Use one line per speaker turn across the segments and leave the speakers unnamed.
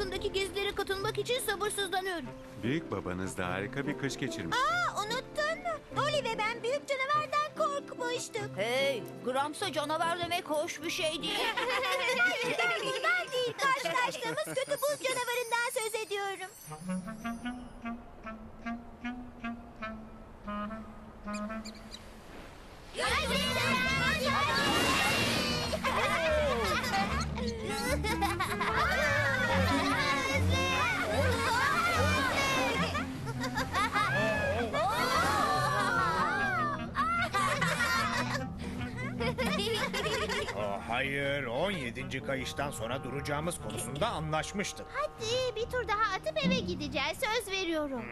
Parkı'ndaki gezilere katılmak için sabırsızlanıyorum.
Büyük babanız da harika bir kış geçirmiş.
Unuttun mu? Dolly ve ben büyük canavardan korkmuştuk.
Hey, Grams'a canavar demek hoş bir şey değil.
Ben değil, karşılaştığımız kötü buz canavarından söz ediyorum.
Hayır, 17. kayıştan sonra duracağımız konusunda anlaşmıştık.
Hadi bir tur daha atıp eve gideceğiz, söz veriyorum.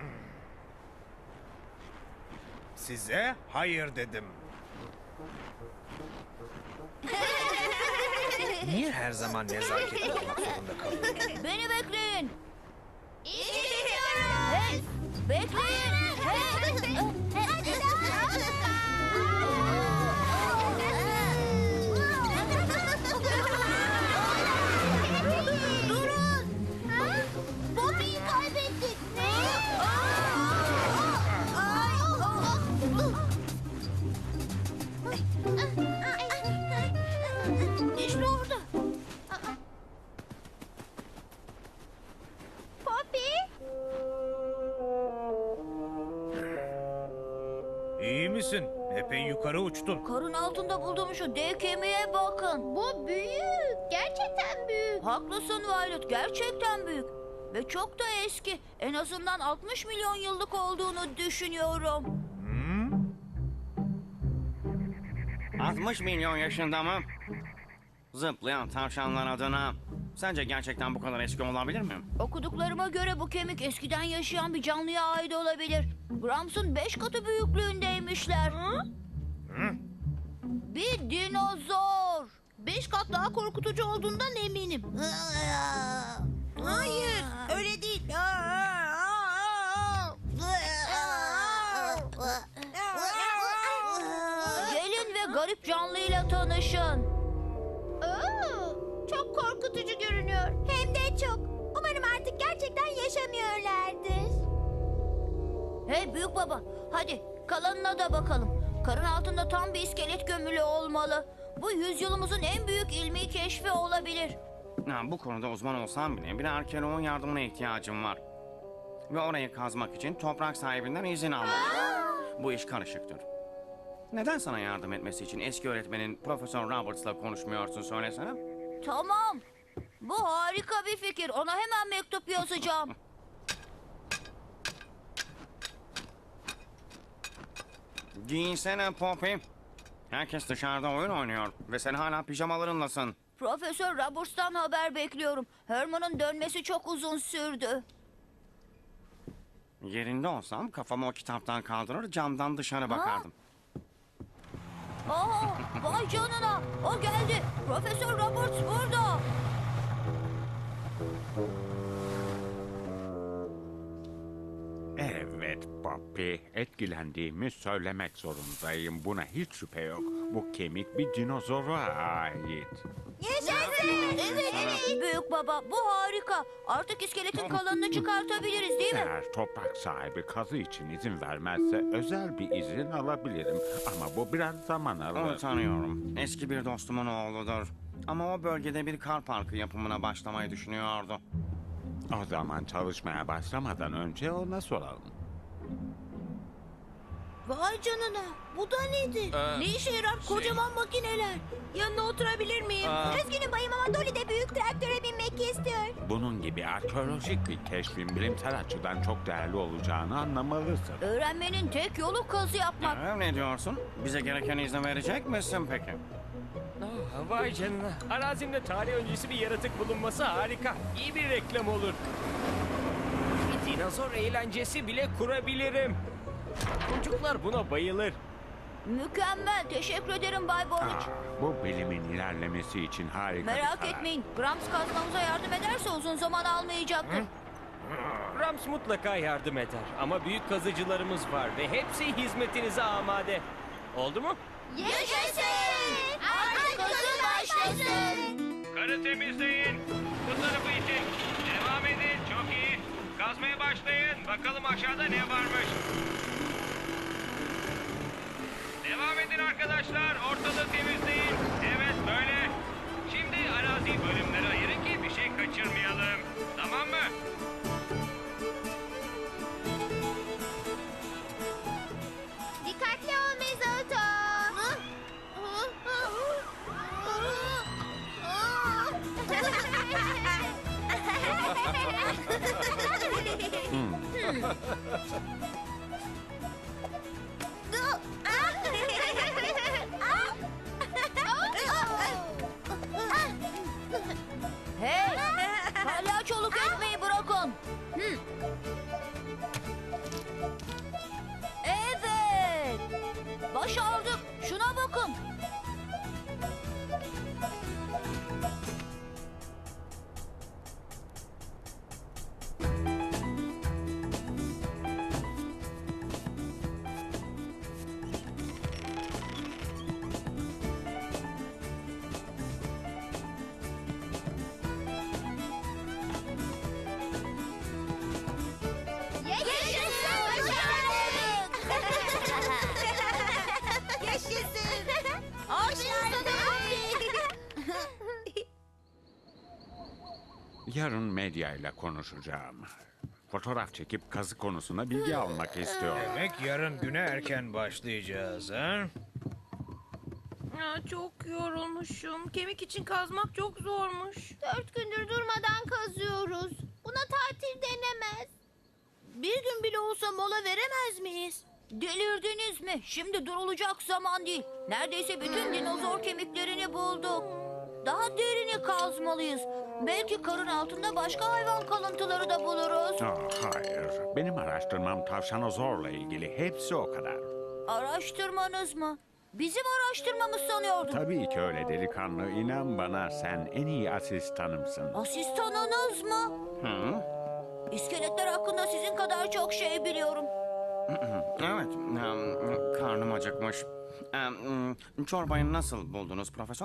Size hayır dedim. Niye her zaman nezaketli olmak zorunda kalıyorsun?
Beni bekleyin.
İstemiyorum.
Hey, bekleyin. Hey.
Hadi daha. Durun. Bobby'yi kaybettik. Ne?
İşte orada.
Poppy.
İyi misin? Epey yukarı uçtun.
Karın altında bulduğum şu dev kemiğe bakın.
Bu büyük. Gerçekten büyük.
Haklısın Violet, gerçekten büyük. Ve çok da eski. En azından 60 milyon yıllık olduğunu düşünüyorum.
60 milyon yaşında mı? Zıplayan tavşanlar adına. Sence gerçekten bu kadar eski olabilir mi?
Okuduklarıma göre bu kemik eskiden yaşayan bir canlıya ait olabilir. Grams'ın 5 katı büyüklüğündeymişler. Bir dinozor. 5 kat daha korkutucu olduğundan eminim.
Hayır, öyle değil.
Gelin ve garip canlıyla tanışın.
Çok korkutucu görünüyor. Hem de çok. Umarım artık gerçekten yaşamıyorlardır.
Hey büyük baba, hadi kalanına da bakalım. Karın altında tam bir iskelet gömülü olmalı. Bu yüzyılımızın en büyük ilmi keşfi olabilir.
Bu konuda uzman olsam bile bir arkeoloğun yardımına ihtiyacım var. Ve orayı kazmak için toprak sahibinden izin almalıyım. Bu iş karışıktır. Neden sana yardım etmesi için eski öğretmenin Profesör Roberts'la konuşmuyorsun söylesene?
Tamam. Bu harika bir fikir. Ona hemen mektup yazacağım.
Giyinsene Poppy. Herkes dışarıda oyun oynuyor ve sen hala pijamalarınlasın.
Profesör Roberts'tan haber bekliyorum. Herman'ın dönmesi çok uzun sürdü.
Yerinde olsam kafamı o kitaptan kaldırır camdan dışarı bakardım.
Aa, vay canına. O geldi. Profesör Roberts burada.
Evet Poppy, etkilendiğimi söylemek zorundayım. Buna hiç şüphe yok. Bu kemik bir dinozora ait.
Yaşasın.
Evet, büyük baba, bu harika. Artık iskeletin kalanını çıkartabiliriz değil mi?
Eğer toprak sahibi kazı için izin vermezse özel bir izin alabilirim. Ama bu biraz zaman
Onu
alır.
tanıyorum. Eski bir dostumun oğludur. Ama o bölgede bir kar parkı yapımına başlamayı düşünüyordu.
O zaman çalışmaya başlamadan önce ona soralım.
Vay canına. Bu da nedir? Ne işe yarar kocaman makineler? Yanına oturabilir miyim?
Üzgünüm bayım ama Dolly de büyük traktöre binmek istiyor.
Bunun gibi arkeolojik bir keşfin bilimsel açıdan çok değerli olacağını anlamalısın.
Öğrenmenin tek yolu kazı yapmak.
Ne diyorsun? Bize gereken izni verecek misin peki?
Vay canına. Arazimde tarih öncesi bir yaratık bulunması harika. İyi bir reklam olur. Bir dinozor eğlencesi bile kurabilirim. Çocuklar buna bayılır.
Mükemmel. Teşekkür ederim Bay Boric.
Bu bilimin ilerlemesi için harika bir
Merak
karar.
etmeyin. Grams kazmamıza yardım ederse uzun zaman almayacaktır.
Rams mutlaka yardım eder. Ama büyük kazıcılarımız var ve hepsi hizmetinize amade. Oldu mu?
Yaşasın. Artık kazı başlasın.
Karı temizleyin. Bu tarafı için. Devam Kazmaya başlayın. Bakalım aşağıda ne varmış. Devam edin arkadaşlar. Ortalığı temizleyin. Evet böyle. Şimdi araziyi bölümlere ayırın ki bir şey kaçırmayalım. Tamam mı?
Dikkatli ol Mezoto.
Hey! Palyaçoluk etmeyi bırakın. Hı. Evet! Başardık. Şuna bakın.
Yaşasın.
Yarın medyayla konuşacağım. Fotoğraf çekip kazı konusunda bilgi almak istiyorum.
Demek yarın güne erken başlayacağız ha?
Çok yorulmuşum. Kemik için kazmak çok zormuş.
4 gündür durmadan kazıyoruz. Buna tatil denemez.
Bir gün bile olsa mola veremez miyiz? Delirdiniz mi? Şimdi durulacak zaman değil. Neredeyse bütün dinozor kemiklerini bulduk. Daha derini kazmalıyız. Belki karın altında başka hayvan kalıntıları da buluruz.
Hayır. Benim araştırmam tavşanozorla ilgili. Hepsi o kadar.
Araştırmanız mı? Bizim araştırmamız sanıyordum.
Tabii ki öyle delikanlı. İnan bana, sen en iyi asistanımsın.
Asistanınız mı?
Hı?
İskeletler hakkında sizin kadar çok şey biliyorum.
Evet, karnım acıkmış. Çorbayı nasıl buldunuz profesör?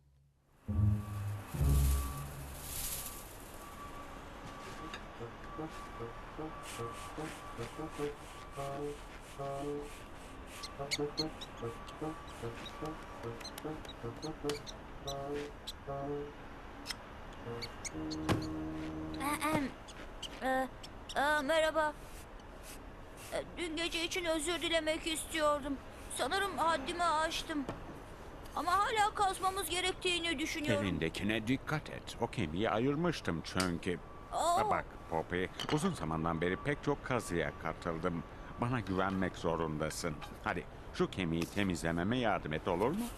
Merhaba. Dün gece için özür dilemek istiyordum. Sanırım haddimi aştım. Ama hala kazmamız gerektiğini düşünüyorum.
Elindekine dikkat et. O kemiği ayırmıştım çünkü.
Aa!
Bak Poppy, uzun zamandan beri pek çok kazıya katıldım. Bana güvenmek zorundasın. Hadi şu kemiği temizlememe yardım et, olur mu?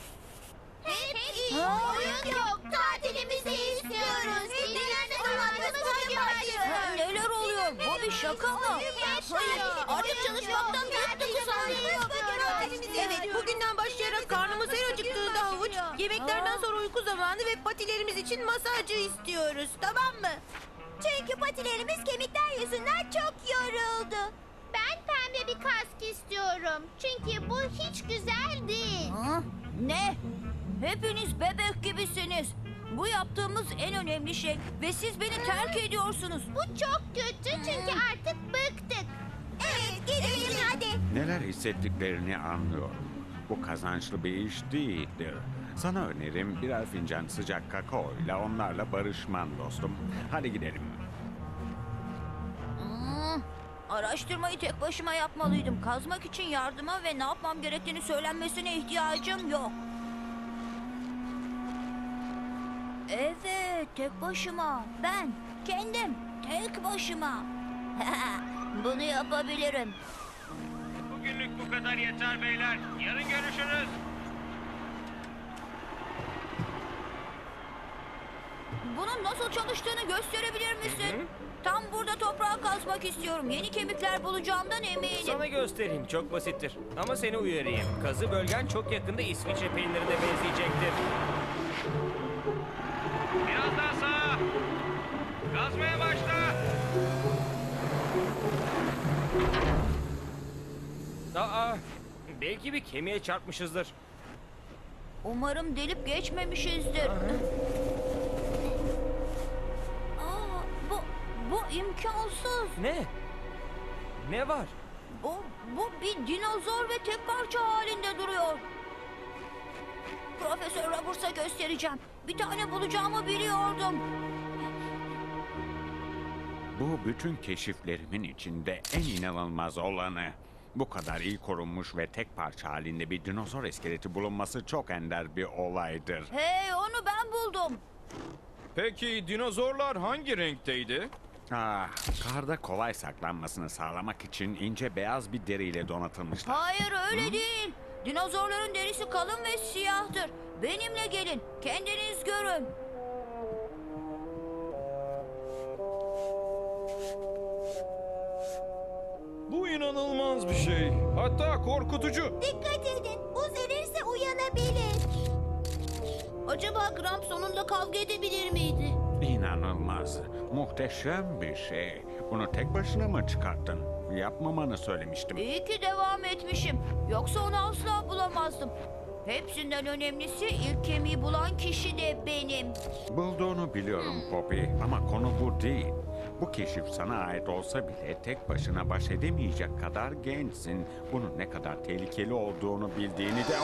Oyun yok. Tatilimizi istiyoruz. Dinlerde durmadığımız bugün başlıyor.
Neler oluyor? Bu bir şaka mı?
Hayır. Artık çalışmaktan bıktık sanırım.
Evet, bugünden başlayarak karnımız her acıktığında havuç, yemeklerden sonra uyku zamanı ve patilerimiz için masajcı istiyoruz. Tamam mı?
Çünkü patilerimiz kemikler yüzünden çok yoruldu. Ben pembe bir kask istiyorum. Çünkü bu hiç güzel değil.
Ha? Ne? Hepiniz bebek gibisiniz. Bu yaptığımız en önemli şey ve siz beni terk ediyorsunuz.
Bu çok kötü çünkü artık bıktık. Evet, gidelim hadi.
Neler hissettiklerini anlıyorum. Bu kazançlı bir iş değildir. Sana önerim birer fincan sıcak kakaoyla onlarla barışman dostum. Hadi gidelim.
Araştırmayı tek başıma yapmalıydım. Kazmak için yardıma ve ne yapmam gerektiğini söylenmesine ihtiyacım yok. Evet, tek başıma. Ben, kendim, tek başıma. Bunu yapabilirim.
Bugünlük bu kadar yeter beyler. Yarın görüşürüz.
Bunun nasıl çalıştığını gösterebilir misin? Tam burada toprağı kazmak istiyorum. Yeni kemikler bulacağımdan eminim.
Sana göstereyim. Çok basittir. Ama seni uyarayım. Kazı bölgen çok yakında İsviçre peynirine benzeyecektir. Biraz daha sağa. Kazmaya başla. Belki bir kemiğe çarpmışızdır.
Umarım delip geçmemişizdir. Aa, bu imkansız.
Ne? Ne var?
Bu bir dinozor ve tek parça halinde duruyor. Profesör Roberts'a göstereceğim. Bir tane bulacağımı biliyordum.
Bu bütün keşiflerimin içinde en inanılmaz olanı. Bu kadar iyi korunmuş ve tek parça halinde bir dinozor iskeleti bulunması çok ender bir olaydır.
Hey, onu ben buldum.
Peki dinozorlar hangi renkteydi?
Ah, karda kolay saklanmasını sağlamak için ince beyaz bir deriyle donatılmışlar.
Hayır, öyle değil. Dinozorların derisi kalın ve siyahtır. Benimle gelin. Kendiniz görün.
Bu inanılmaz bir şey. Hatta korkutucu.
Dikkat edin. Buz erirse uyanabilir.
Acaba Gramp sonunda kavga edebilir miydi?
İnanılmaz. Muhteşem bir şey. Bunu tek başına mı çıkarttın? Yapmamanı söylemiştim.
İyi ki devam etmişim. Yoksa onu asla bulamazdım. Hepsinden önemlisi ilk kemiği bulan kişi de benim.
Bulduğunu biliyorum Poppy ama konu bu değil. Bu keşif sana ait olsa bile tek başına baş edemeyecek kadar gençsin. Bunun ne kadar tehlikeli olduğunu bildiğini de...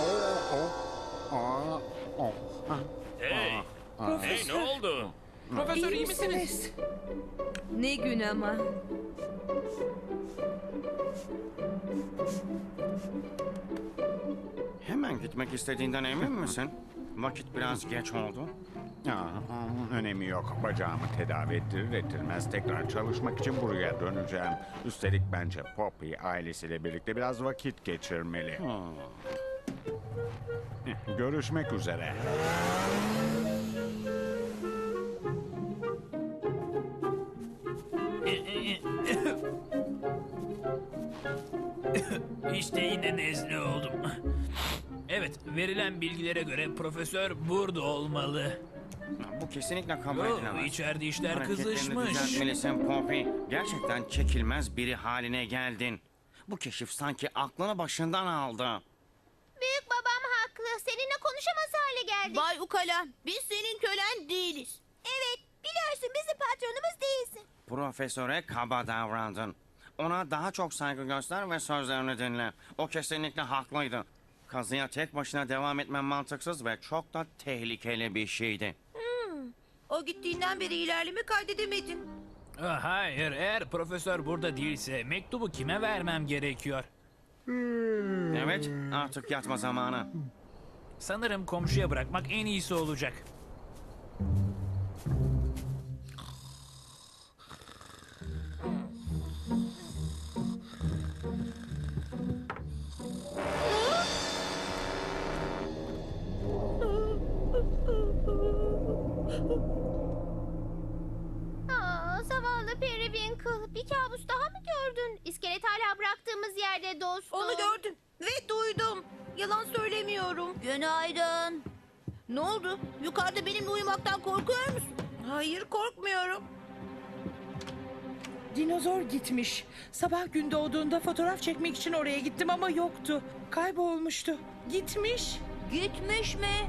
Hey! Hey, ne oldu?
Profesör iyi misiniz?
Ne gün ama.
Hemen gitmek istediğinden emin misin? Vakit biraz geç oldu.
Önemi yok. Bacağımı tedavi ettirir ettirmez tekrar çalışmak için buraya döneceğim. Üstelik bence Poppy ailesiyle birlikte biraz vakit geçirmeli. Görüşmek üzere.
İşte yine nezle oldum. Evet, verilen bilgilere göre profesör burada olmalı.
Bu kesinlikle kabul
Oo,
edilemez.
içeride işler
Hareketlerini
kızışmış.
düzeltmelisin Poppy. Gerçekten çekilmez biri haline geldin. Bu keşif sanki aklını başından aldı.
Büyük babam haklı. Seninle konuşamaz hale geldik.
Bay Ukala, biz senin kölen değiliz.
Evet, biliyorsun bizim patronumuz değilsin.
Profesöre kaba davrandın. Ona daha çok saygı göster ve sözlerini dinle. O kesinlikle haklıydı. Kazıya tek başına devam etmen mantıksız ve çok da tehlikeli bir şeydi.
O gittiğinden beri ilerleme kaydedemedim.
Hayır, eğer profesör burada değilse mektubu kime vermem gerekiyor?
Evet, artık yatma zamanı.
Sanırım komşuya bırakmak en iyisi olacak.
Zavallı Periwinkle. Bir kabus daha mı gördün? İskelet hala bıraktığımız yerde dostum.
Onu gördüm ve duydum. Yalan söylemiyorum.
Günaydın.
Ne oldu? Yukarıda benimle uyumaktan korkuyor musun? Hayır, korkmuyorum.
Dinozor gitmiş. Sabah gün doğduğunda fotoğraf çekmek için oraya gittim ama yoktu. Kaybolmuştu. Gitmiş.
Gitmiş mi?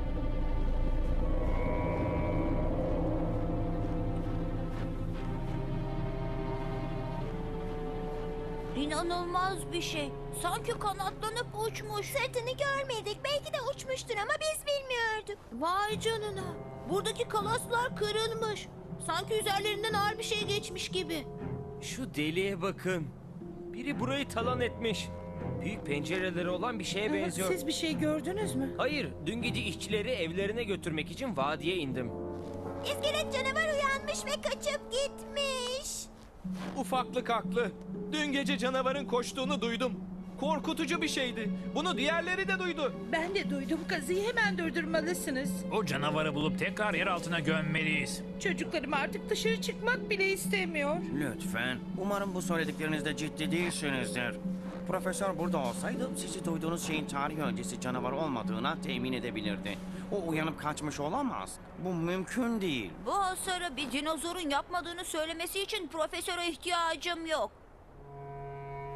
İnanılmaz bir şey. Sanki kanatlanıp uçmuş.
Sırtını görmedik. Belki de uçmuştur ama biz bilmiyorduk.
Vay canına. Buradaki kalaslar kırılmış. Sanki üzerlerinden ağır bir şey geçmiş gibi.
Şu deliğe bakın. Biri burayı talan etmiş. Büyük pencereleri olan bir şeye benziyor.
Siz bir şey gördünüz mü?
Hayır, dün gece işçileri evlerine götürmek için vadiye indim.
İskelet canavar uyanmış ve kaçıp gitmiş.
Ufaklık haklı. Dün gece canavarın koştuğunu duydum. Korkutucu bir şeydi. Bunu diğerleri de duydu.
Ben de duydum. Kazıyı hemen durdurmalısınız.
O canavarı bulup tekrar yer altına gömmeliyiz.
Çocuklarım artık dışarı çıkmak bile istemiyor.
Lütfen. Umarım bu söylediklerinizde ciddi değilsinizdir. Profesör burada olsaydı sizi duyduğunuz şeyin tarih öncesi canavar olmadığına temin edebilirdi. O uyanıp kaçmış olamaz. Bu mümkün değil.
Bu hasarı bir dinozorun yapmadığını söylemesi için profesöre ihtiyacım yok.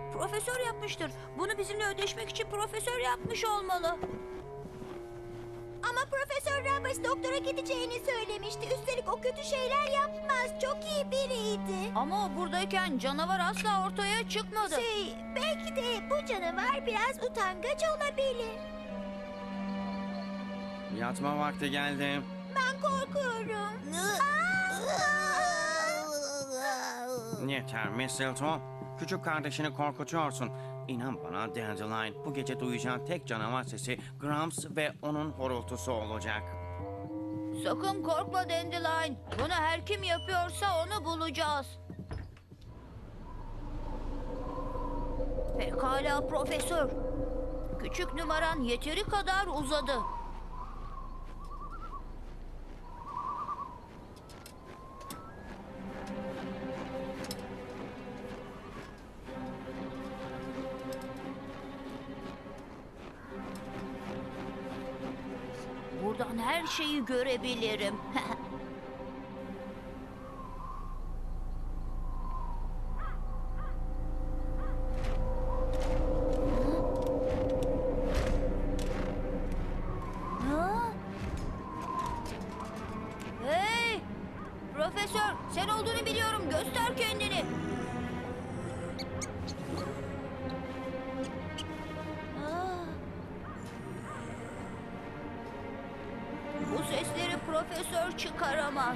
Profesör yapmıştır. Bunu bizimle ödeşmek için profesör yapmış olmalı.
Ama Profesör Roberts doktora gideceğini söylemişti. Üstelik o kötü şeyler yapmaz. Çok iyi biriydi.
Ama o buradayken canavar asla ortaya çıkmadı.
Belki de bu canavar biraz utangaç olabilir.
Yatma vakti geldi.
Ben korkuyorum.
Yeter Mistletoe. Küçük kardeşini korkutuyorsun. İnan bana Dandelion, bu gece duyacağın tek canavar sesi Grumps ve onun horultusu olacak.
Sakın korkma Dandelion. Bunu her kim yapıyorsa onu bulacağız. Pekala profesör. Küçük numaran yeteri kadar uzadı. Buradan her şeyi görebilirim. Ha? Hey! Profesör, sen olduğunu biliyorum. Göster kendini. Bu sesleri profesör çıkaramaz.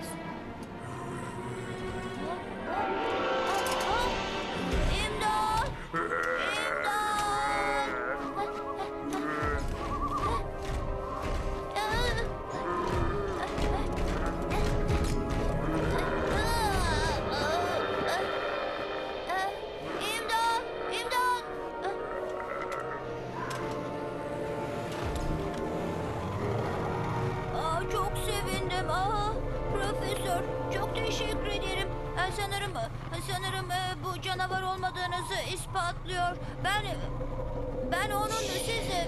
İmdat! İmdat! İmdat! Çok sevindim. Profesör, çok teşekkür ederim. Sanırım bu canavar olmadığınızı ispatlıyor. Ben onun sizi...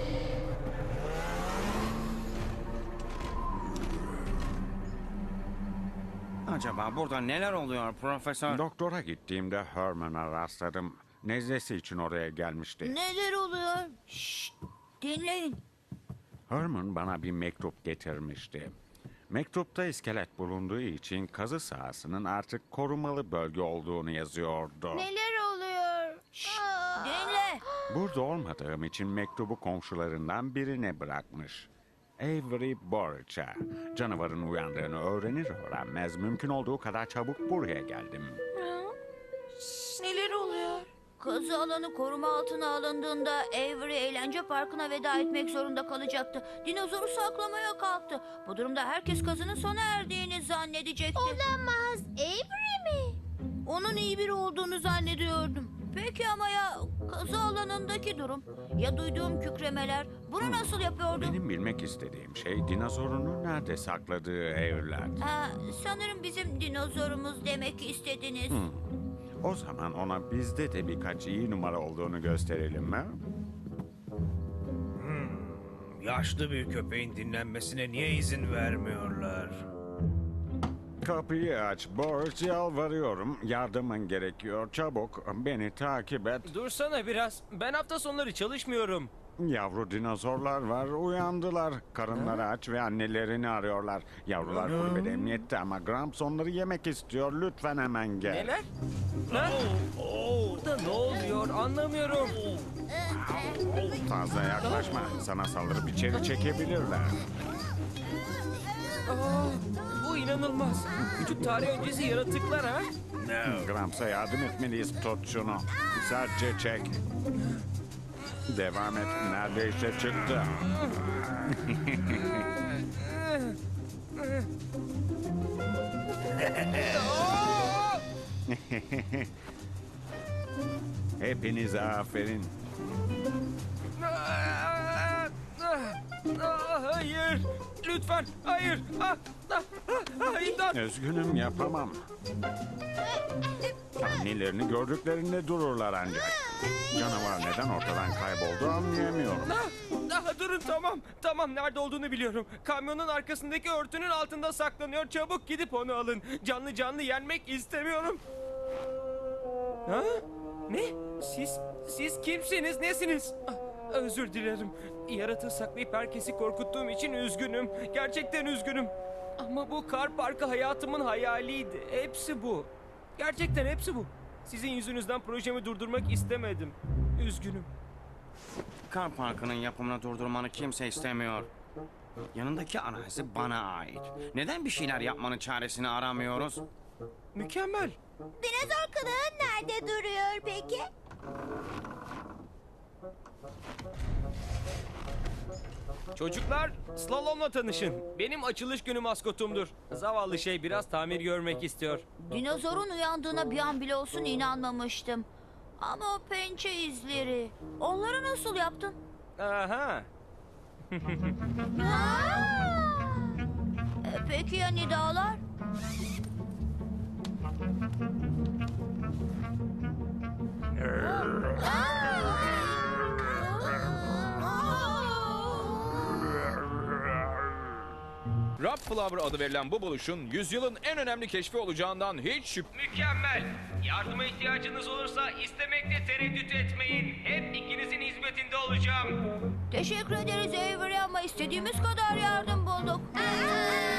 Acaba burada neler oluyor Profesör?
Doktora gittiğimde Herman'a rastladım. Nezlesi için oraya gelmişti.
Neler oluyor? Şşt, dinleyin.
Herman bana bir mektup getirmişti. Mektupta iskelet bulunduğu için kazı sahasının artık korumalı bölge olduğunu yazıyordu.
Neler oluyor?
Dinle.
Burada olmadığım için mektubu komşularından birine bırakmış. Avery Borch'a. Canavarın uyandığını öğrenir öğrenmez mümkün olduğu kadar çabuk buraya geldim.
Neler oluyor?
Kazı alanı koruma altına alındığında Avery eğlence parkına veda etmek zorunda kalacaktı. Dinozoru saklamaya kalktı. Bu durumda herkes kazının sona erdiğini zannedecekti.
Olamaz. Avery mi?
Onun iyi biri olduğunu zannediyordum. Peki ama ya kazı alanındaki durum? Ya duyduğum kükremeler? Bunu nasıl yapıyordu?
Benim bilmek istediğim şey dinozorunu nerede sakladığı evler.
Sanırım bizim dinozorumuz demek istediniz.
O zaman ona bizde de birkaç iyi numara olduğunu gösterelim mi?
Yaşlı bir köpeğin dinlenmesine niye izin vermiyorlar?
Kapıyı aç Borch, yalvarıyorum. Yardımın gerekiyor, çabuk beni takip et.
Dursana biraz. Ben hafta sonları çalışmıyorum.
Yavru dinozorlar var, uyandılar. Karınları aç ve annelerini arıyorlar. Yavrular kulübede emniyette ama Gramps onları yemek istiyor. Lütfen hemen gel.
Neler? Ha? Burada ne oluyor anlamıyorum.
Fazla yaklaşma. Sana saldırıp içeri çekebilirler.
Bu inanılmaz. Küçük tarih öncesi yaratıklar ha?
Grumps'a yardım etmeliyiz. Tut şunu. Sertçe çek. Devam et. Neredeyse çıktı. Hepinize aferin.
Hayır. Lütfen. Hayır. İmdat.
Üzgünüm, yapamam. Annelerini gördüklerinde dururlar ancak. Canavar neden ortadan kayboldu anlayamıyorum.
Durun tamam. Tamam nerede olduğunu biliyorum. Kamyonun arkasındaki örtünün altında saklanıyor. Çabuk gidip onu alın. Canlı canlı yenmek istemiyorum. Ha? Ne? Siz kimsiniz? Nesiniz? Özür dilerim. Yaratığı saklayıp herkesi korkuttuğum için üzgünüm. Gerçekten üzgünüm. Ama bu kar parkı hayatımın hayaliydi. Hepsi bu. Gerçekten hepsi bu. Sizin yüzünüzden projemi durdurmak istemedim. Üzgünüm.
Kar parkının yapımını durdurmanı kimse istemiyor. Yanındaki arazi bana ait. Neden bir şeyler yapmanın çaresini aramıyoruz?
Mükemmel.
Dinozor kılığın nerede duruyor peki?
Çocuklar, slalomla tanışın. Benim açılış günü maskotumdur. Zavallı şey biraz tamir görmek istiyor.
Dinozorun uyandığına bir an bile olsun inanmamıştım. Ama o pençe izleri. Onları nasıl yaptın?
Aha.
Peki ya nidalar?
Rob Flower adı verilen bu buluşun yüzyılın en önemli keşfi olacağından hiç
Mükemmel. Yardıma ihtiyacınız olursa istemekte tereddüt etmeyin. Hep ikinizin hizmetinde olacağım.
Teşekkür ederiz Avery ama istediğimiz kadar yardım bulduk.